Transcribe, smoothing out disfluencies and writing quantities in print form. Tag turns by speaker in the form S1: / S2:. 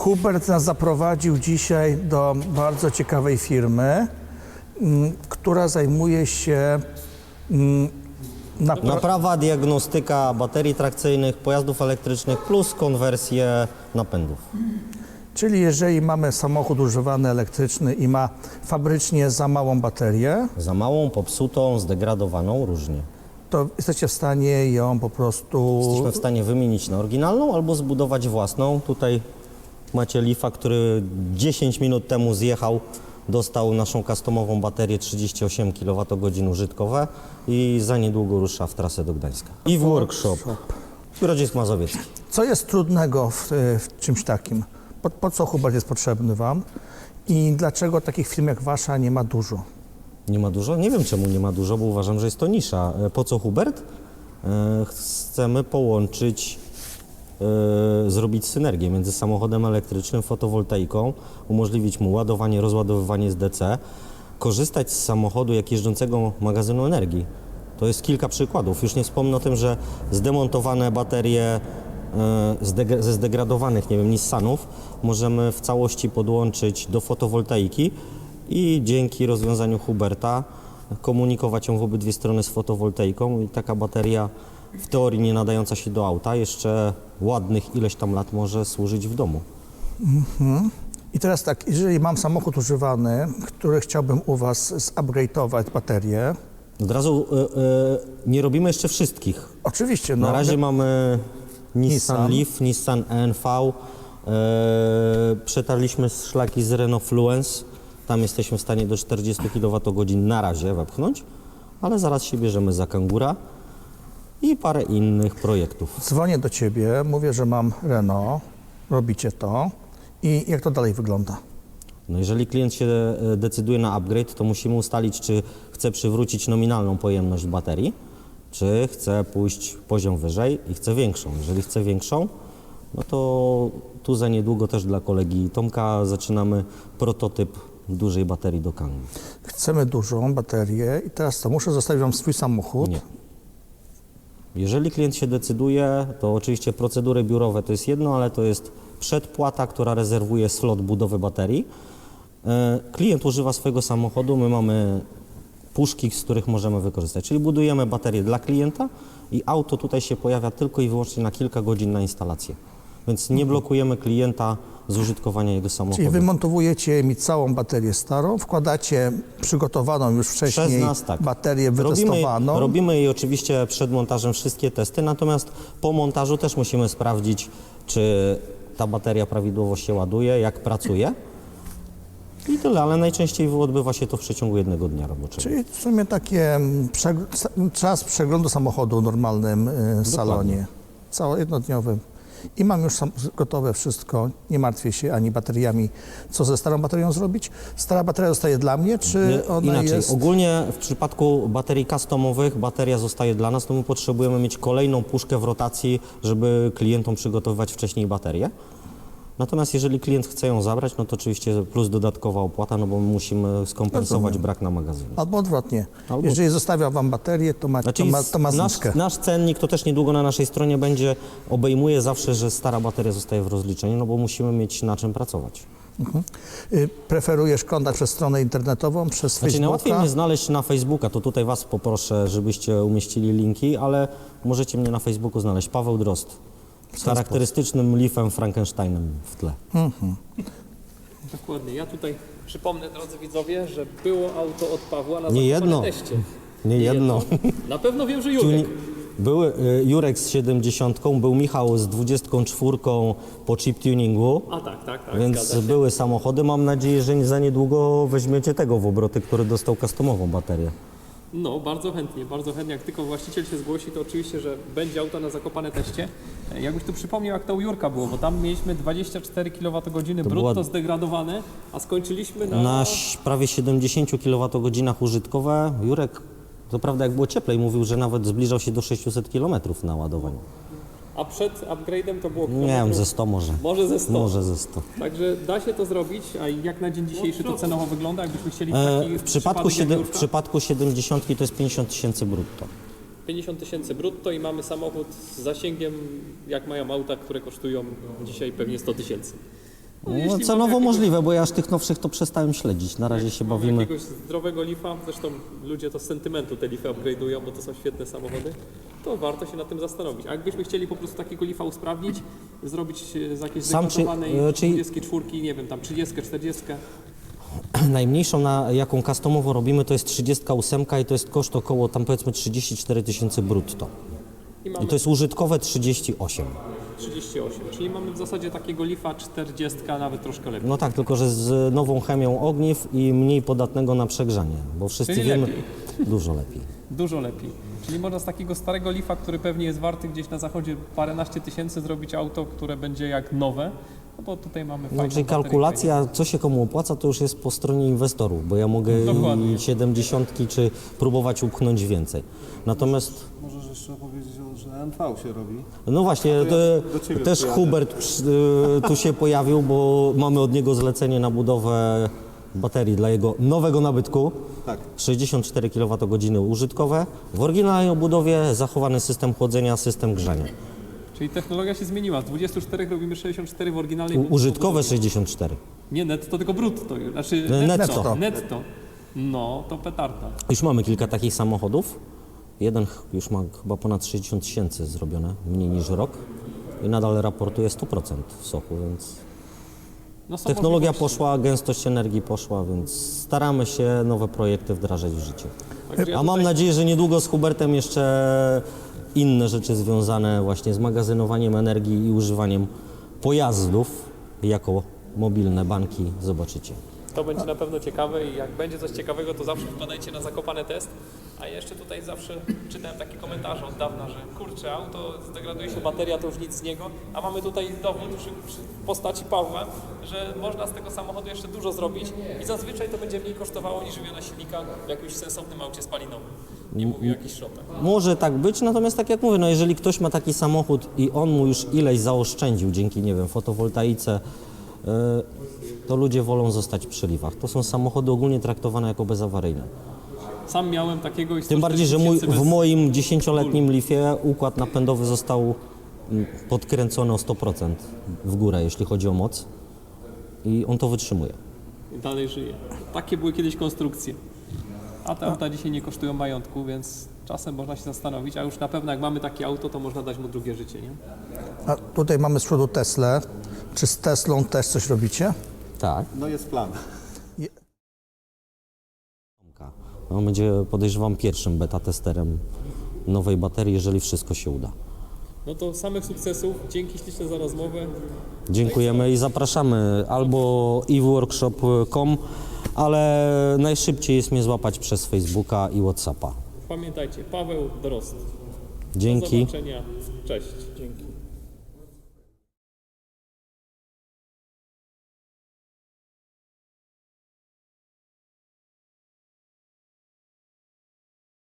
S1: Hubert nas zaprowadził dzisiaj do bardzo ciekawej firmy, która zajmuje się
S2: Naprawa, diagnostyka baterii trakcyjnych, pojazdów elektrycznych plus konwersję napędów.
S1: Czyli jeżeli mamy samochód używany elektryczny i ma fabrycznie za małą baterię,
S2: Za małą, popsutą, zdegradowaną, różnie.
S1: to jesteście w stanie ją po prostu...
S2: Jesteśmy w stanie wymienić na oryginalną albo zbudować własną. Tutaj macie Leafa, który 10 minut temu zjechał, dostał naszą customową baterię 38 kWh użytkowe i za niedługo rusza w trasę do Gdańska. I w workshop. Grodzisk Mazowiecki.
S1: Co jest trudnego w czymś takim? Po co Hubert jest potrzebny Wam? I dlaczego takich firm jak Wasza nie ma dużo?
S2: Nie ma dużo? Nie wiem czemu nie ma dużo, bo uważam, że jest to nisza. Po co Hubert? Chcemy połączyć, zrobić synergię między samochodem elektrycznym, fotowoltaiką, umożliwić mu ładowanie, rozładowywanie z DC, korzystać z samochodu jak jeżdżącego magazynu energii. To jest kilka przykładów. Już nie wspomnę o tym, że zdemontowane baterie ze zdegradowanych, nie wiem, Nissanów możemy w całości podłączyć do fotowoltaiki i dzięki rozwiązaniu Huberta komunikować ją w obydwie strony z fotowoltaiką i taka bateria w teorii nie nadająca się do auta jeszcze ładnych ileś tam lat może służyć w domu.
S1: I teraz tak, jeżeli mam samochód używany, który chciałbym u Was zupgrade'ować baterię,
S2: Od razu nie robimy jeszcze wszystkich.
S1: oczywiście,
S2: Na razie mamy
S1: Nissan.
S2: Nissan Leaf, Nissan ENV, przetarliśmy szlaki z Renault Fluence, tam jesteśmy w stanie do 40 kWh na razie wepchnąć, ale zaraz się bierzemy za Kangura i parę innych projektów.
S1: dzwonię do Ciebie, mówię, że mam Renault, robicie to i jak to dalej wygląda?
S2: No jeżeli klient się decyduje na upgrade, to musimy ustalić, czy chce przywrócić nominalną pojemność baterii, czy chce pójść poziom wyżej i chce większą. Jeżeli chce większą, no to tu za niedługo też dla kolegi Tomka zaczynamy prototyp dużej baterii do Kangu.
S1: Chcemy dużą baterię i teraz co, muszę zostawić Wam swój samochód?
S2: Nie. Jeżeli klient się decyduje, to oczywiście procedury biurowe to jest jedno, ale to jest przedpłata, która rezerwuje slot budowy baterii. Klient używa swojego samochodu, my mamy puszki, z których możemy wykorzystać. Czyli budujemy baterię dla klienta i auto tutaj się pojawia tylko i wyłącznie na kilka godzin na instalację. Więc nie blokujemy klienta z użytkowania jego samochodu.
S1: Czyli wymontowujecie mi całą baterię starą, wkładacie przygotowaną już wcześniej
S2: Przez nas, tak.
S1: baterię wytestowaną.
S2: Robimy jej oczywiście przed montażem wszystkie testy, natomiast po montażu też musimy sprawdzić, czy ta bateria prawidłowo się ładuje, jak pracuje. I tyle, ale najczęściej odbywa się to w przeciągu jednego dnia roboczego.
S1: Czyli w sumie takie czas przeglądu samochodu w normalnym salonie, jednodniowym. I mam już gotowe wszystko, nie martwię się ani bateriami, co ze starą baterią zrobić. Stara bateria zostaje dla mnie, czy ona
S2: Inaczej,
S1: jest...
S2: ogólnie w przypadku baterii customowych bateria zostaje dla nas, to my potrzebujemy mieć kolejną puszkę w rotacji, żeby klientom przygotowywać wcześniej baterię. Natomiast jeżeli klient chce ją zabrać, no to oczywiście plus dodatkowa opłata, no bo musimy skompensować brak na magazynie.
S1: Albo odwrotnie.
S2: Albo-
S1: Jeżeli zostawiam Wam baterię, to ma,
S2: Znaczy,
S1: to ma zniżkę.
S2: nasz cennik to też niedługo na naszej stronie będzie, obejmuje zawsze, że stara bateria zostaje w rozliczeniu, no bo musimy mieć na czym pracować.
S1: Preferujesz kontakt przez stronę internetową, przez
S2: Znaczy najłatwiej
S1: Facebooka?
S2: mnie znaleźć na Facebooka, to tutaj Was poproszę, żebyście umieścili linki, ale możecie mnie na Facebooku znaleźć. Paweł Drozd z charakterystycznym Leafem Frankensteinem w tle.
S3: Dokładnie. Ja tutaj przypomnę, drodzy widzowie, że było auto od Pawła na
S2: Nie jedno.
S3: zakopanym teście.
S2: Nie jedno.
S3: Na pewno wiem, że Jurek.
S2: Były Jurek z 70, był Michał z 24 po chip tuningu,
S3: A tak,
S2: więc
S3: zgadza się.
S2: były samochody. Mam nadzieję, że za niedługo weźmiecie tego w obroty, który dostał customową baterię.
S3: No, bardzo chętnie, bardzo chętnie. Jak tylko właściciel się zgłosi, to oczywiście, że będzie auto na zakopane teście. Jakbyś tu przypomniał, jak to u Jurka było, bo tam mieliśmy 24 kWh brutto
S2: była-
S3: zdegradowane, a skończyliśmy na...
S2: Na prawie 70 kWh użytkowe Jurek, to prawda jak było cieplej, mówił, że nawet zbliżał się do 600 km na ładowaniu.
S3: A przed upgrade'em to było...
S2: Nie wiem, ze 100 może.
S3: Może ze 100.
S2: Może ze 100.
S3: Także da się to zrobić, a jak na dzień dzisiejszy to cenowo wygląda, jakbyśmy chcieli taki
S2: W przypadku,
S3: przypadek jak
S2: w
S3: Jurka?
S2: przypadku 70 to jest 50 tysięcy brutto.
S3: 50 tysięcy brutto i mamy samochód z zasięgiem, jak mają auta, które kosztują dzisiaj pewnie 100 tysięcy.
S2: No,
S3: jeśli
S2: cenowo
S3: mamy
S2: możliwe, bo ja aż tych nowszych to przestałem śledzić. Na razie się
S3: mamy
S2: bawimy.
S3: jakiegoś zdrowego Leafa, zresztą ludzie to z sentymentu te Leafy upgrade'ują, bo to są świetne samochody, to warto się nad tym zastanowić. A jakbyśmy chcieli po prostu takiego Leafa usprawnić, zrobić z jakiejś
S2: Sam czy-
S3: zdeklasowanej
S2: czyli-
S3: 24, nie wiem, tam 30, 40,
S2: Najmniejszą, jaką customowo robimy, to jest 38 i to jest koszt około tam powiedzmy 34 000 brutto.
S3: i
S2: I
S3: mamy
S2: to jest użytkowe 38.
S3: 38, czyli mamy w zasadzie takiego Leafa 40, nawet troszkę lepiej.
S2: No tak, tylko że z nową chemią ogniw i mniej podatnego na przegrzanie, bo wszyscy
S3: Czyli
S2: wiemy...
S3: lepiej.
S2: Dużo lepiej.
S3: Dużo lepiej. Czyli można z takiego starego Leafa, który pewnie jest warty gdzieś na zachodzie paręnaście tysięcy, zrobić auto, które będzie jak nowe, no bo tutaj mamy fajną
S2: No, czyli
S3: baterię.
S2: kalkulacja, co się komu opłaca, to już jest po stronie inwestorów, bo ja mogę
S3: Dokładnie.
S2: i 70 czy próbować upchnąć więcej. Natomiast,
S4: Możesz jeszcze powiedzieć, że NV się robi.
S2: no właśnie,
S4: ja
S2: to,
S4: do ciebie
S2: też
S4: przyjadę.
S2: Hubert tu się pojawił, bo mamy od niego zlecenie na budowę baterii dla jego nowego nabytku.
S4: Tak.
S2: 64 kWh użytkowe. W oryginalnej obudowie zachowany system chłodzenia, system grzania.
S3: Czyli technologia się zmieniła. Z 24 robimy 64 w oryginalnej.
S2: Użytkowe 64.
S3: Nie netto, tylko brutto. Znaczy
S2: Netto.
S3: Netto. No, to petarda.
S2: Już mamy kilka takich samochodów. Jeden już ma chyba ponad 60 000 zrobione, mniej niż rok. I nadal raportuje 100% w soku, więc
S3: No, są
S2: technologia
S3: możliwości.
S2: poszła, gęstość energii poszła, więc staramy się nowe projekty wdrażać w życie.
S3: Także ja
S2: A mam
S3: tutaj-
S2: nadzieję, że niedługo z Hubertem jeszcze inne rzeczy związane właśnie z magazynowaniem energii i używaniem pojazdów jako mobilne banki zobaczycie.
S3: To będzie na pewno ciekawe i jak będzie coś ciekawego, to zawsze wpadajcie na Zakopane Test. A jeszcze tutaj zawsze czytałem takie komentarze od dawna, że kurczę, auto zdegraduje się bateria, to już nic z niego. A mamy tutaj dowód w postaci Pawła, że można z tego samochodu jeszcze dużo zrobić i zazwyczaj to będzie mniej kosztowało niż wymiana silnika w jakimś sensownym aucie spalinowym. Nie mówię o jakichś szopach.
S2: Może tak być, natomiast tak jak mówię, no jeżeli ktoś ma taki samochód i on mu już ileś zaoszczędził dzięki, nie wiem, fotowoltaice, to ludzie wolą zostać przy Leafach. To są samochody ogólnie traktowane jako bezawaryjne.
S3: Sam miałem takiego i
S2: Tym bardziej, że
S3: 140 000
S2: w moim 10-letnim Leafie układ napędowy został podkręcony o 100% w górę, jeśli chodzi o moc. I on to wytrzymuje.
S3: i dalej żyje. Takie były kiedyś konstrukcje. A te auta dzisiaj nie kosztują majątku, więc czasem można się zastanowić, a już na pewno jak mamy takie auto, to można dać mu drugie życie, nie?
S1: A tutaj mamy z przodu Teslę. Czy z Teslą też coś robicie?
S2: Tak.
S4: No jest plan.
S2: On będzie, podejrzewam, pierwszym beta testerem nowej baterii, jeżeli wszystko się uda.
S3: No to samych sukcesów. Dzięki śliczne za rozmowę.
S2: Dziękujemy i zapraszamy albo eworkshop.com, ale najszybciej jest mnie złapać przez Facebooka i WhatsAppa.
S3: Pamiętajcie, Paweł Drozd. Do
S2: Dzięki.
S3: zobaczenia. Cześć.
S4: Dzięki.